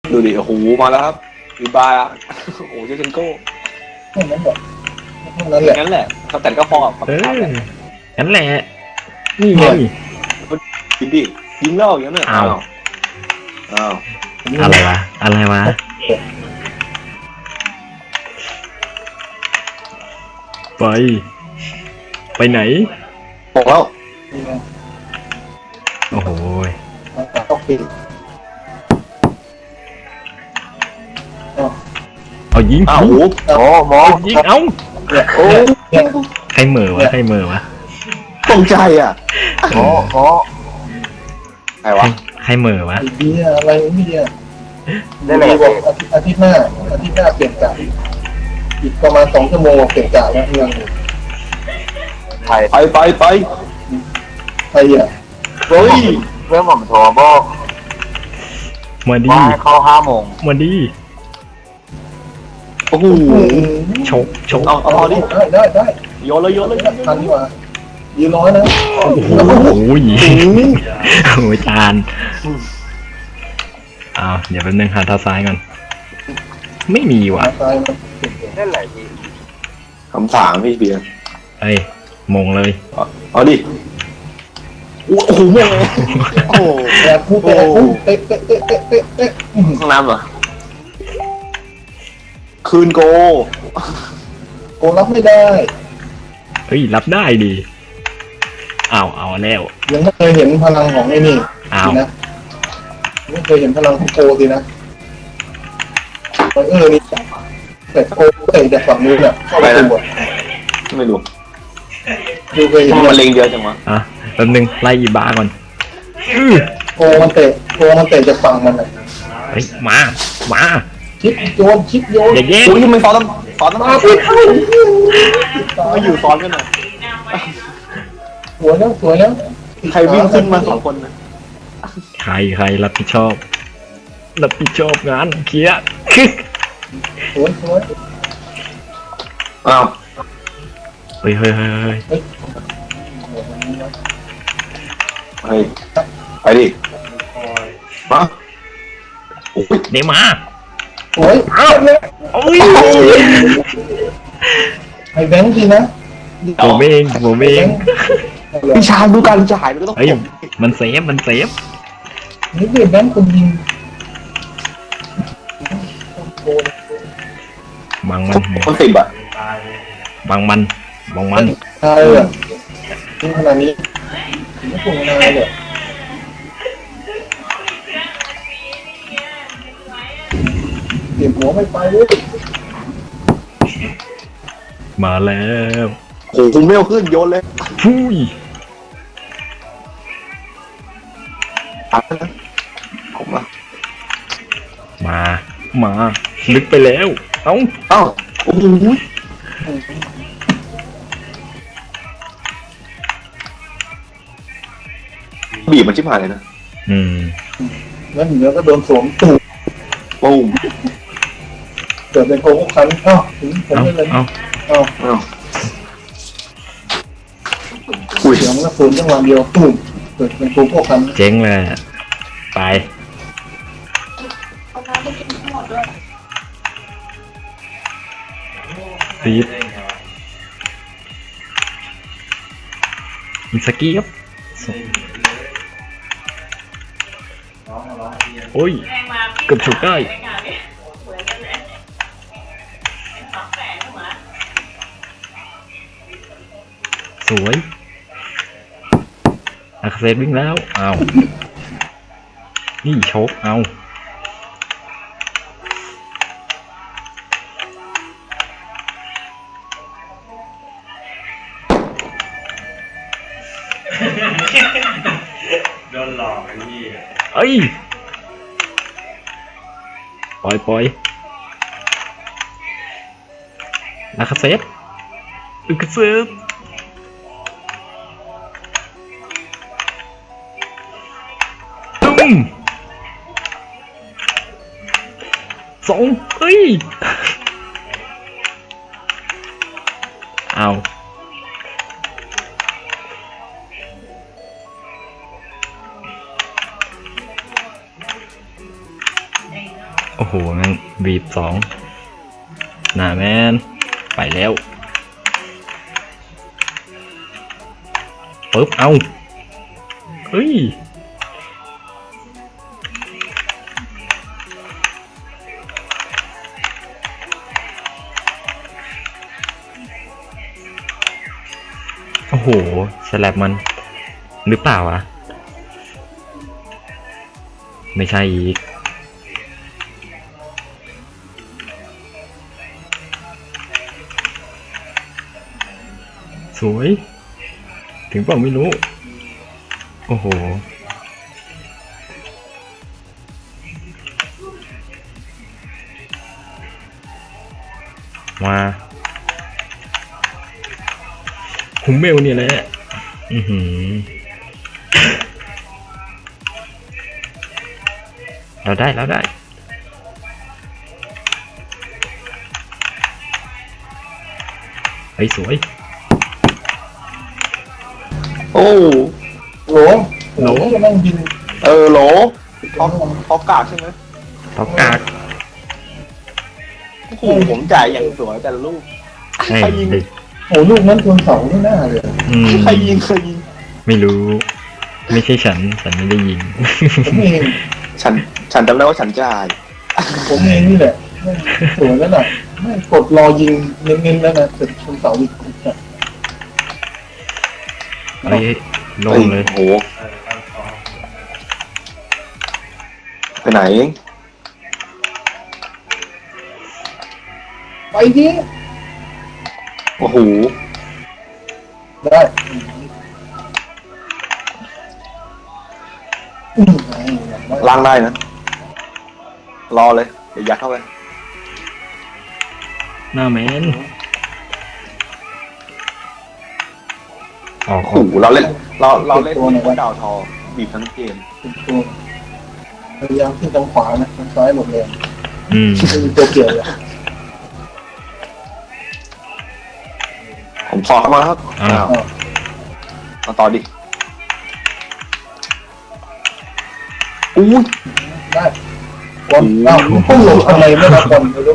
ดูดิโอ้โหมาแล้วครับรีบายอะโอ้โหเจนโก้แค่นั้นแหละแค่นั้นแหละงั้นแหละเขาแต่ก็พอกับเอคำถามอแหละงั้นแหละนี่ไงยิงดิยิงเล่าอย่างนั้นเนี่ยอ้าวอ้าวอะไรวะอะไรวะไปไปไหนบอกแล้วนี่ไงโอ้โหต้องปิดเอายิงอ้าวโอ้โหหมอยิงเอ้าเนี่ยโอ้เนี่ยใครเหม่อวะใครเหม่อวะตกใจอ่ะหมอใครวะใครเหม่อวะไอ้เบี้ยอะไรเนี่ยได้แหละบอกอาทิตย์หน้าเปลี่ยนกะอีกประมาณ2 ชั่วโมงเปลี่ยนกะแล้วเรื่องไปใครอ่ะเฮ้ยเรื่องผมโทรบอกมาดีว่าให้เข้า5 โมงมาดีโอ้โหชกชกเอาดิได้โยนเลยทันดีกว่ายืนร้อยนะโอ้โหโอ้ยจานอ้าวเดี๋ยวแป๊บนึงหาเท้าซ้ายก่อนไม่มีว่ะตายมันนั่นแหละพี่คำถามพี่เบียร์เอ้ยมงเลยเอาดิโอ้โหแม่โอ้โหแต่คู่เตะห้องน้ำเหรอคืนโกโกรับไม่ได้เฮ้ยรับได้ดีอ้าวเอาแล้วยังไม่เคยเห็นพลังของไอ้นี่อ้าวนะไม่เคยเห็นพลังของโกสินะนี่แต่โกเตะจากฝั่งนู้นอ่ะเข้าไปตัวไม่รู้ดูเคยเห็นมันเล็งเยอะจังวะอ่ะแป๊บนึงไล่อีบ้าก่อนอื้อโกมันเตะจากฝั่งมันอ่ะเฮ้ยมาชิปโยนอย่าแย่งอุ้ยทำไมซ้อนต้องมาไปเข้ามาอยู่ซ้อนกันหน่อยสวยแล้วใครวิ่งขึ้นมา2 คนนะใครรับผิดชอบงานเคลียร์สวยอ้าวเฮ้ยเฮ้ยไปดิมาโอ้ยเดี๋ยวมาสวยโอ้ยไอ้แบงค์ทีนะผมเองพี่ชายดูการจ่ายมันก็ต้องเฮ้ยมันเซฟนี่คือแบงค์คนยิงบังมันคนติดอ่ะบังมันตายเลยยิงขนาดนี้ไม่ควรนายเลยเก็บหัวไม่ไปเลยมาแล้วโอ้โหคุณไม่เอาขึ้นโยนเลยฟุยตัดนะผมอ่ะมาลึกไปแล้ว เอ้าอ้าวโอ้โหบีบมันชิบหายเลยนะงั้นเหนือก็โดนสวมตูดปุ้มเกิดเป็นโกงคันถึงผมไม่เลยอ้าวอุ้ยเสียงกระสุนจังหวะเดียวตุ่มเกิดเป็นโกงคันเจ๊งเลยไปฟีดอินสกี้ครับโอ้ยเกือบฉกได้สวยอักเสบวิ่งแล้วเอานี่ชกเอาโดนหลอกไอ้พี่เอ้ยปล่อยอักเสบตุ้ม2เอ้ยเอาโอ้โหงั้นบีบสองหน้าแมนไปแล้วปึ๊บเอาเฮ้ยโอ้โหสแลบมันหรือเปล่าอะไม่ใช่อีกสวยถึงเปล่าไม่รู้ โอ้โหมาคุมเมลเนี่ยแหละอือหือเราได้เฮ้ยสวยโอ้โหโหจะนั่งยิงโหลท็อปกากใช่ไหมท็อปกากโอ้โหผมจ่ายอย่างสวยแต่ละลูกใช่ใครยิงดิโหลูกนั้นชนเสาไม่น่าเลยอืมใครยิงไม่รู้ ไม่ใช่ฉันไม่ได้ยิงผมเองฉันจำได้ว่าฉันจ่ายผมเองนี่แหละสวยแล้วน่ะไม่กดรอยิงเน้นๆแล้วนะแต่ชนเสาอีกเฮ้ยโล่งเลยโอ้โหไปไหนไปดิโอ้โหได้ล้างได้นะ รอเลย เดี๋ยวยัดเข้าไปหน้าแมนออกโอ้โหเราเล่นตัวดาวทอบีบทั้งเกมเป็นตัวพยายามขึ้นทางขวานะทางซ้ายหมดเลยอืมไม่มีตัวเกี่ยวเลยผมสอดเข้ามาแล้วครับอ้าวมาต่อดิอุ้ยได้บอลต้องหลบอะไรไม่รับบอลไม่รู้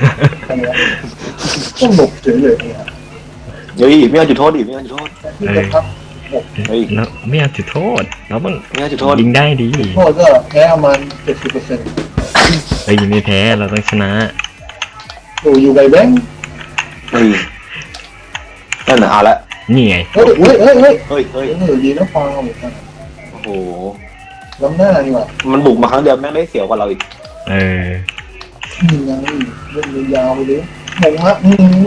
ต้องหลบเฉยเลยเนี่ยเฮ้ยไม่เอาจุดโทษดิไม่เอาจุดโทษที่จะพับเฮ้ยแล้วไม่เอาจุดโทษเราต้องไม่เอาจุดโทษยิงได้ดีโทษก็แพ้ประมาณ 70% เฮ้ยไม่แพ้เราต้องชนะอยู่ใบแบงค์เฮ้ยนั่นน่ะเอาละนี่ไงเฮ้ยเฮ้ยเฮ้ยดีนะฟังเหมือนกันโอ้โหล้ำหน้านี่ว่ะมันบุกมาครั้งเดียวแม่งได้เสียวกว่าเราอีกเออนี่ไงเล่นยาวไปเลยมงฮะ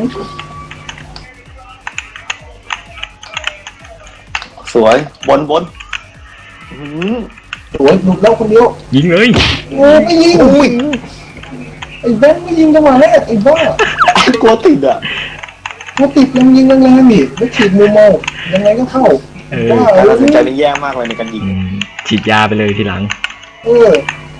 สวยบนสวยหลุดแล้วคนเดียวยิงเลยโอ้ไม่ยิงไอ้แบงค์ไม่ยิงจังหวะแรกไอ้บ้ากลัวติดอ่ะเขาติดยังยิงแรงๆนี่แล้วฉีดมุมมองยังไงก็เข้าเออว่าการแล้ตัวดสินใจนี่นี่แย่มากเลยในการยิงอืมฉีดยาไปเลยทีหลังเออ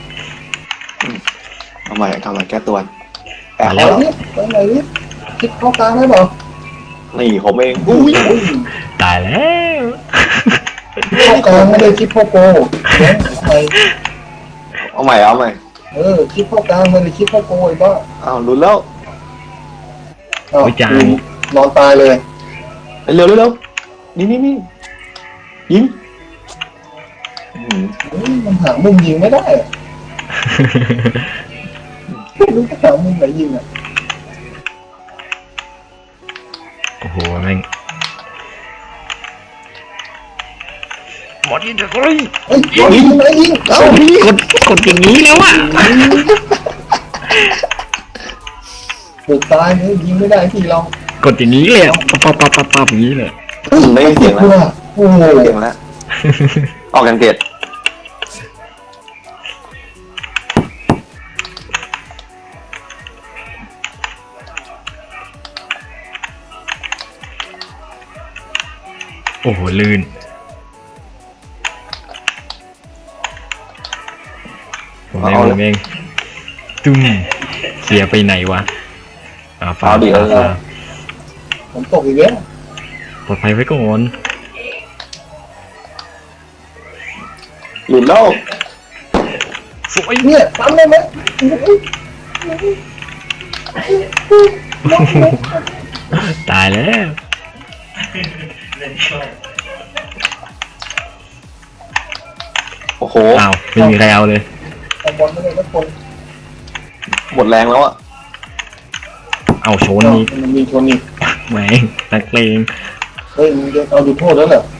ทำไมแก้ตัวแต่มาไปแล้วนี่ไปไหนนี่คิดเข้ากลางได้เปล่านี่ผมเองอุ้ยตายแล้วเข้ากลางไม่ได้คิดเข้าโกแบงค์ทำไมเอาใหม่คิดเข้ากลางไม่ได้คิดเข้าโกไอ้บ้าอ้าวลุ้นแล้วอ้าวนอนตายเลยเร็วนี่ยิงมันหามุมยิงไม่ได้อะไม่รู้จะหามุมไหนยิงอ่ะโอ้โหแม่งหมดยิงเถอะเฮ้ยเฮ้ยยิงไหนยิงเอ้ากดอย่างนี้แล้วอ่ะบุกตายเลยยิงไม่ได้ที่เรากดอย่างนี้เลยอะปั๊บอย่างนี้เลยได้เสียงแล้วโอ้โหเสียงแล้วออกกันเกตโอ้โหลื่นผมเองตุ้มเสียไปไหนวะฟ้าผมตกอีกแล้วปลอดภัยไว้ก่อนหลุดแล้วสวยเนี่ยทำได้ไหมตายแล้วเล่นโชว์โอ้โหอ้าวไม่มีใครเอาเลยเอาบอลไม่ได้ทุกคนหมดแรงแล้วอ่ะเอาโชนนี้มันมีคนอีกแหมนักเลงเฮ้ยมึงจะเอาดูโทษแล้วเหรอ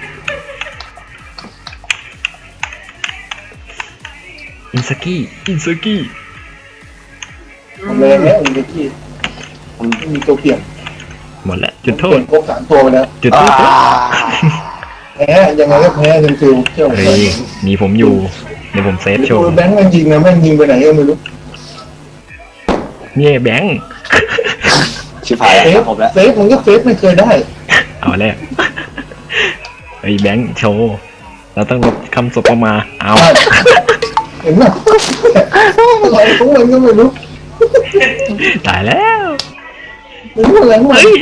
อินสกี้อินสกี้ทำแรงแล้วอีกทีไม่มีตัวเปลี่ยนหมดแล้วจุดโทเปลี่ษยนครบ3ตัวไปแล้วจุดโทษแพ้ยังไงก็แพ้จนฟิวเชื่อผมเฮ้ยมีผมอยู่เดี๋ยวผมเซฟโชว์แบงค์แม่งยิงนะแม่งยิงไปไหนก็ไม่รู้เนี่ยแบงค์ชิบหายเซแล้วฟผมแล้วเซฟมันก็เซฟไม่เคยได้เอาแล้วเฮ้ยแบงค์โชว์เราต้องลบคำสบออกมาเอาเห็นไหมอะไรของมันก็ไม่รู้ตายแล้วไม่รู้อะไรของมันเฮ้ย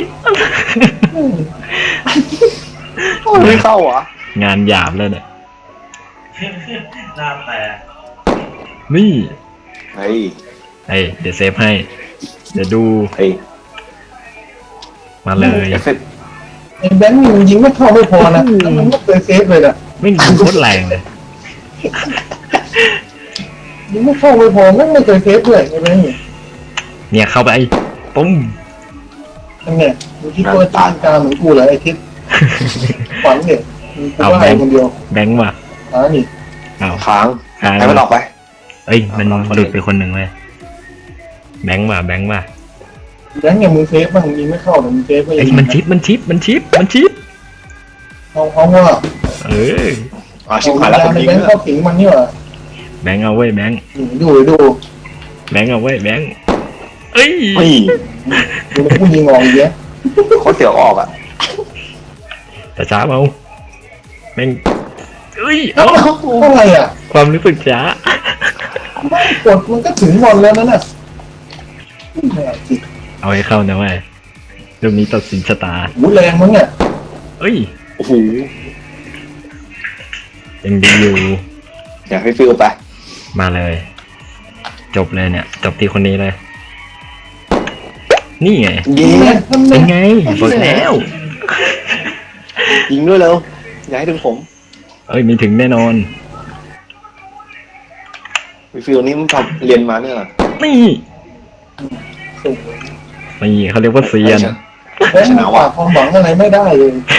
ไม่เข้าเหรอ่ะงานหยาบแล้วเนี่ยหน้าแตกนี่เฮ้ยเฮ้ยเดี๋ยวเซฟให้ เดี๋ยวดูเฮ้ยมาเลยเอฟเฟกต์ไอ้แบงค์นี่มันยิงไม่เข้าไม่พอนะแล้วมันไม่เคยเซฟเลยนะไม่ยิงโคตรแรงเลยยิงไม่เข้าไม่พอไม่เคยเซฟด้วยไอ้แบงค์นี่เนี่ยเข้าไปปุ้มนั่นไงมึงคิดว่าจีนกาเหมือนกูเหรอไอ้ทิศฝันเนี่ยมึงกูว่าไอ้คนเดียวแบงค์ว่ะนี่เอาค้างค้างให้มันออกไปเอ้ยมันหลุดไปคนหนึ่งเลยแบงค์ว่ะแบงค์ว่ะแบงค์เนี่ยมึงเซฟบ้างมึงยิงไม่เข้าแต่มึงเซฟก็ยัไอ้งยมันชิปเอาว่าเออชิบหายแล้วผมไอ้ยิงแบงค์แล้วเข้าสิงมันนี่หว่าแบงค์เอาไว้ยแบงค์ดูแบงค์เอาไว้ยแบงค์เอ้ยเฮ้ยดูแล้วกูยิงออกอีกแล้วโคตรเสียวออกอ่ะแต่ช้าเอาแบงค์เอ้ยเอ้าเอาอะไรอ่ะความรู้สึกช้าไม่กดมันก็ถึงบอลแล้วนั่นน่ะแหมจิตเอาให้เข้านะเว้ยเรื่องนี้ตัดสินชะตาหูแรงมั้งเนี่ยเอ้ยโอ้โหยังดีอยู่อยากให้ฟิลไปมาเลย จบเลยเนี่ย จบที่คนนี้เลย นี่ไงยิงเป็นไงบอกแล้วยิงด้วยเร็วอย่าให้ถึงผมเอ้ยมีถึงแน่นอนฟิลนี้มันทำเรียนมาเนี่ยเหรอนี่สุดนี่เขาเรียกว่าเซียนแบงค์ฝากความหวังอะไรไม่ได้เลย